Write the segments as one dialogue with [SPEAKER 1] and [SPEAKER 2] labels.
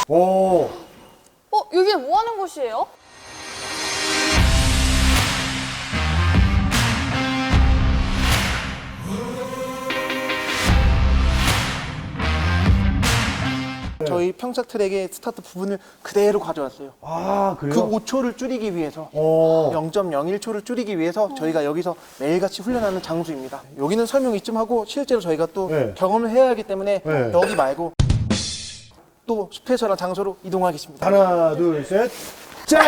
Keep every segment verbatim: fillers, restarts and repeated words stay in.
[SPEAKER 1] 오.
[SPEAKER 2] 어, 여기 뭐 하는 곳이에요?
[SPEAKER 3] 저희 평착 트랙의 스타트 부분을 그대로 가져왔어요.
[SPEAKER 1] 아, 그래요?
[SPEAKER 3] 그 오 초를 줄이기 위해서
[SPEAKER 1] 오.
[SPEAKER 3] 영 점 영일 초를 줄이기 위해서 저희가 여기서 매일같이 훈련하는 장소입니다. 여기는 설명 이쯤 하고 실제로 저희가 또
[SPEAKER 1] 네.
[SPEAKER 3] 경험을 해야 하기 때문에
[SPEAKER 1] 네.
[SPEAKER 3] 여기 말고 또 스페셜한 장소로 이동하겠습니다.
[SPEAKER 1] 하나, 둘, 셋. 짠!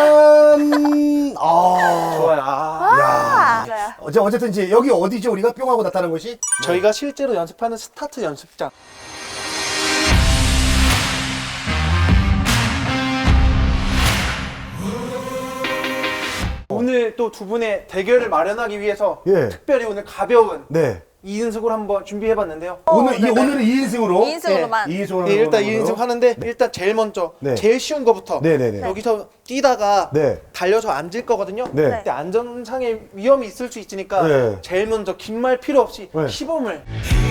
[SPEAKER 1] 아.
[SPEAKER 3] 좋아요. 아.
[SPEAKER 2] 맞아요.
[SPEAKER 1] 어제 어쨌든 이제 여기 어디죠? 우리가 뿅하고 나타난 곳이?
[SPEAKER 3] 저희가 실제로 연습하는 스타트 연습장. 오늘 또 두 분의 대결을 마련하기 위해서
[SPEAKER 1] 예.
[SPEAKER 3] 특별히 오늘 가벼운
[SPEAKER 1] 네.
[SPEAKER 3] 이 인승으로 한번 준비해봤는데요.
[SPEAKER 1] 오늘 이
[SPEAKER 2] 네네.
[SPEAKER 1] 오늘은 이 인승으로.
[SPEAKER 2] 이 인승으로만.
[SPEAKER 1] 이 인승으로.
[SPEAKER 3] 예, 일단
[SPEAKER 1] 하는
[SPEAKER 3] 이 인승
[SPEAKER 1] 거로.
[SPEAKER 3] 하는데 일단 제일 먼저
[SPEAKER 1] 네.
[SPEAKER 3] 제일 쉬운 거부터
[SPEAKER 1] 네네네.
[SPEAKER 3] 여기서 뛰다가
[SPEAKER 1] 네.
[SPEAKER 3] 달려서 앉을 거거든요.
[SPEAKER 1] 네.
[SPEAKER 3] 근데 안전상의 위험이 있을 수 있으니까
[SPEAKER 1] 네.
[SPEAKER 3] 제일 먼저 긴 말 필요 없이
[SPEAKER 1] 네.
[SPEAKER 3] 시범을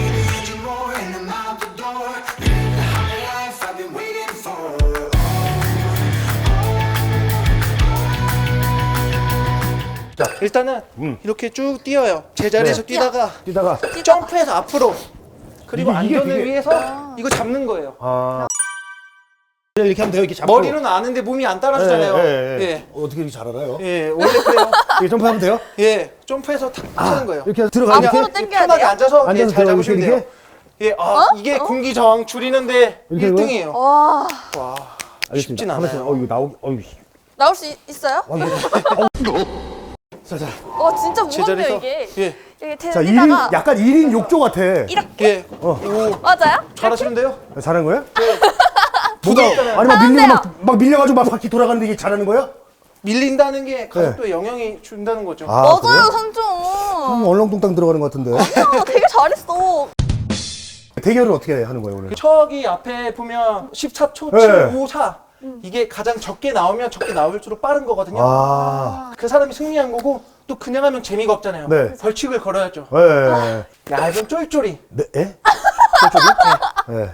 [SPEAKER 3] 자, 일단은
[SPEAKER 1] 음.
[SPEAKER 3] 이렇게 쭉 뛰어요. 제자리에서
[SPEAKER 1] 네.
[SPEAKER 3] 뛰다가
[SPEAKER 1] 뛰다가.
[SPEAKER 3] 점프해서 앞으로 그리고
[SPEAKER 1] 이게- 이게
[SPEAKER 3] 안전을
[SPEAKER 1] 되게-
[SPEAKER 3] 위해서 이거 잡는 거예요.
[SPEAKER 1] 아. 이렇게 하면 돼요. 이렇게 잡고.
[SPEAKER 3] 머리로는 아는데 몸이 안 따라주잖아요.
[SPEAKER 1] 예, 예, 예.
[SPEAKER 3] 예.
[SPEAKER 1] 어떻게 이렇게 잘 알아요?
[SPEAKER 3] 예, 원래 그래요.
[SPEAKER 1] 이렇게 점프하면 돼요?
[SPEAKER 3] 예, 점프해서 탁 하는 거예요.
[SPEAKER 1] 이렇게 들어가 이렇게.
[SPEAKER 2] 앞으로 당겨야
[SPEAKER 3] 편하게
[SPEAKER 2] 돼요?
[SPEAKER 3] 앉아서 예,
[SPEAKER 1] 앉아서
[SPEAKER 3] 잘
[SPEAKER 1] 들어가,
[SPEAKER 3] 잡으시면
[SPEAKER 1] 이렇게,
[SPEAKER 3] 돼요. 예, 아, 이게 공기 저항 줄이는데
[SPEAKER 1] 이렇게
[SPEAKER 3] 일 등이에요.
[SPEAKER 2] 와,
[SPEAKER 3] 와,
[SPEAKER 1] 알겠습니다.
[SPEAKER 3] 쉽진
[SPEAKER 1] 하나씩.
[SPEAKER 3] 않아요.
[SPEAKER 1] 어 이거 나오기. 어 이거.
[SPEAKER 2] 나올 수 있, 있어요?
[SPEAKER 1] 와, 이거. 자, 자.
[SPEAKER 2] 와, 진짜 무겁네요,
[SPEAKER 3] 제자리에서
[SPEAKER 2] 이게.
[SPEAKER 3] 예,
[SPEAKER 2] 이게
[SPEAKER 1] 자, 일 인
[SPEAKER 2] 대다가
[SPEAKER 1] 약간 일 인 욕조 같아.
[SPEAKER 2] 이렇게.
[SPEAKER 3] 예,
[SPEAKER 1] 어.
[SPEAKER 3] 오,
[SPEAKER 2] 맞아요?
[SPEAKER 3] 잘하시는데요?
[SPEAKER 1] 잘하는 거야?
[SPEAKER 3] 뭐가
[SPEAKER 1] 아니 막 밀려 막, 막 밀려가지고 막 바퀴 돌아가는데 이게 잘하는 거야?
[SPEAKER 3] 밀린다는 게 가속도에 영향이 준다는 거죠.
[SPEAKER 1] 아,
[SPEAKER 2] 맞아요,
[SPEAKER 1] 그래요?
[SPEAKER 2] 삼촌.
[SPEAKER 1] 음, 얼렁뚱땅 들어가는 것 같은데.
[SPEAKER 2] 야, 되게 잘했어.
[SPEAKER 1] 대결을 어떻게 하는 거예요 오늘?
[SPEAKER 3] 척이 앞에 보면 십사 초
[SPEAKER 1] 네.
[SPEAKER 3] 칠오사 이게 가장 적게 나오면 적게 나올수록 빠른 거거든요.
[SPEAKER 1] 아,
[SPEAKER 3] 그 사람이 승리한 거고 또 그냥 하면 재미가 없잖아요.
[SPEAKER 1] 네.
[SPEAKER 3] 벌칙을 걸어야죠.
[SPEAKER 1] 예. 네.
[SPEAKER 3] 얇은 쫄쫄이.
[SPEAKER 1] 네? 예? 저쪽이? 네.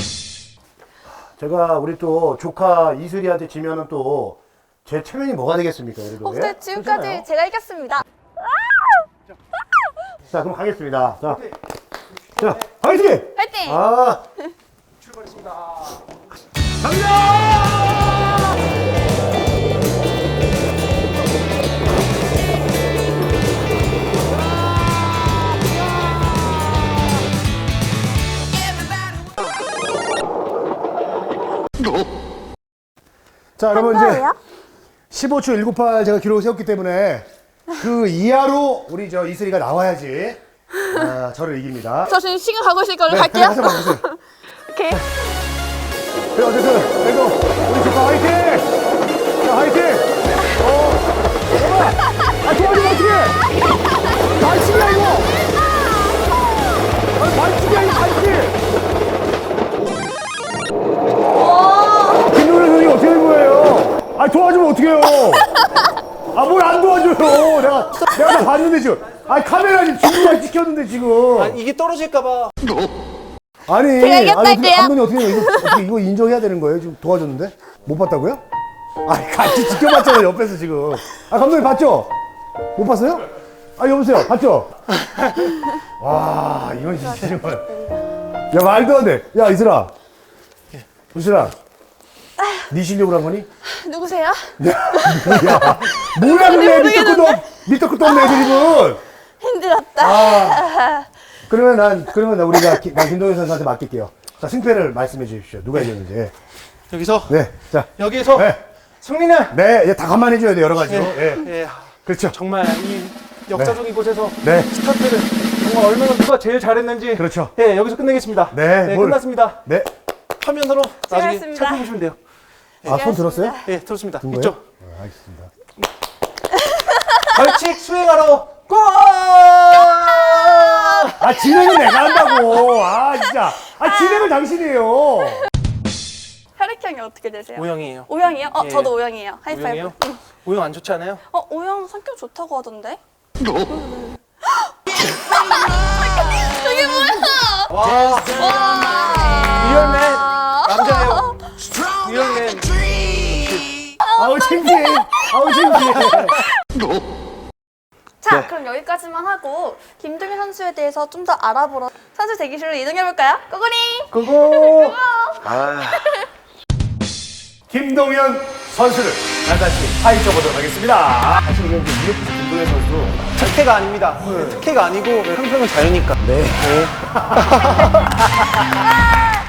[SPEAKER 1] 제가 우리 또 조카 이슬이한테 지면은 또 제 체면이 뭐가 되겠습니까? 그래도
[SPEAKER 2] 어, 근데
[SPEAKER 1] 예?
[SPEAKER 2] 지금까지
[SPEAKER 1] 그렇잖아요.
[SPEAKER 2] 제가 이겼습니다.
[SPEAKER 1] 자, 그럼 가겠습니다. 자, 자, 화이팅!
[SPEAKER 2] 화이팅!
[SPEAKER 1] 아,
[SPEAKER 3] 출발했습니다.
[SPEAKER 1] 갑니다! 자, 여러분 이제 십오 초 일구팔 제가 기록을 세웠기 때문에 그 이하로 우리 저 이슬이가 나와야지 아, 저를 이깁니다.
[SPEAKER 2] 저 지금 시간 가고 있을 걸로
[SPEAKER 1] 네,
[SPEAKER 2] 갈게요.
[SPEAKER 1] 하세요, 하세요.
[SPEAKER 2] 오케이.
[SPEAKER 1] 그래, 어쨌든 그래도 우리 조카 화이팅! 자, 화이팅! 어, 잠깐만! 아, 도와주면 어떡해! 반칙이야, 이거! 아, 반칙이야, 이거 반칙! 김노래 선생님 어떻게 된 거예요? 아, 도와주면 어떡해요? 아, 뭘 안 도와줘요? 내가, 내가 다 봤는데 지금. 아, 카메라 지금 중국까지 찍혔는데 지금.
[SPEAKER 3] 아, 이게 떨어질까봐.
[SPEAKER 1] 아니,
[SPEAKER 2] 제가 이겼다
[SPEAKER 1] 아니,
[SPEAKER 2] 할게요.
[SPEAKER 1] 감독님 어떻게 해요? 이거, 어떻게 이거 인정해야 되는 거예요? 지금 도와줬는데? 못 봤다고요? 아니, 같이 지켜봤잖아요, 옆에서 지금. 아, 감독님 봤죠? 못 봤어요? 아, 여보세요, 봤죠? 와, 이건 진짜 정말. 야, 말도 안 돼. 야, 이슬아. 이슬아. 네 실력으로 한 거니?
[SPEAKER 2] 누구세요?
[SPEAKER 1] 야, 뭐야, 그래. 밑도 끝도, 없- 밑도 끝도 없네, 애들이군.
[SPEAKER 2] 힘들었다.
[SPEAKER 1] 아, 그러면 난, 그러면 난 우리가, 기- 난 김동현 선수한테 맡길게요. 자, 승패를 말씀해 주십시오. 누가 이겼는지.
[SPEAKER 3] 여기서
[SPEAKER 1] 네, 자.
[SPEAKER 3] 여기서
[SPEAKER 1] 네,
[SPEAKER 3] 승리는
[SPEAKER 1] 네, 이제 다 감안해줘야 돼, 여러 가지로.
[SPEAKER 3] 예,
[SPEAKER 1] 예.
[SPEAKER 3] 예,
[SPEAKER 1] 그렇죠.
[SPEAKER 3] 정말 이 역사적인 곳에서
[SPEAKER 1] 네.
[SPEAKER 3] 스타트를 정말 얼마나 누가 제일 잘했는지
[SPEAKER 1] 그렇죠.
[SPEAKER 3] 예, 여기서 끝내겠습니다.
[SPEAKER 1] 네, 뭘-
[SPEAKER 3] 끝났습니다.
[SPEAKER 1] 네.
[SPEAKER 3] 화면으로 나중에
[SPEAKER 2] 수고하셨습니다.
[SPEAKER 3] 살펴보시면 돼요.
[SPEAKER 1] 아, 손 들었어요?
[SPEAKER 3] 예, 들었습니다.
[SPEAKER 1] 든 거예요?
[SPEAKER 3] 있죠?
[SPEAKER 1] 아, 알겠습니다.
[SPEAKER 3] 벌칙 수행하러 고!
[SPEAKER 1] 아, 진행은 내가 한다고. 아, 진짜. 아, 진행을 당신이에요.
[SPEAKER 2] 혈액형이 어떻게 되세요?
[SPEAKER 3] 오형이에요.
[SPEAKER 2] O형이요? 어,
[SPEAKER 3] 예.
[SPEAKER 2] 저도 O형이에요. 하이파이브.
[SPEAKER 3] 오형이요? 오형 안 좋지 않아요?
[SPEAKER 2] 어, O형 성격 좋다고 하던데? 저게 뭐야?
[SPEAKER 3] 와,
[SPEAKER 2] 와.
[SPEAKER 3] 리얼맨 남자예요. 리얼맨 쌤.
[SPEAKER 1] 아우 창피해. 아우 창피해.
[SPEAKER 2] 자,
[SPEAKER 3] 네.
[SPEAKER 2] 그럼 여기까지만 하고 김동현 선수에 대해서 좀 더 알아보러 선수 대기실로 이동해볼까요? 고고링!
[SPEAKER 1] 그거
[SPEAKER 3] 아.
[SPEAKER 1] 김동현 선수를 다시 파헤쳐 보도록 하겠습니다. 사실 이게 이제 유럽 김동현 선수.
[SPEAKER 3] 특혜가 아닙니다. 특혜가 아니고 항상은 자유니까.
[SPEAKER 1] 네.
[SPEAKER 2] 아!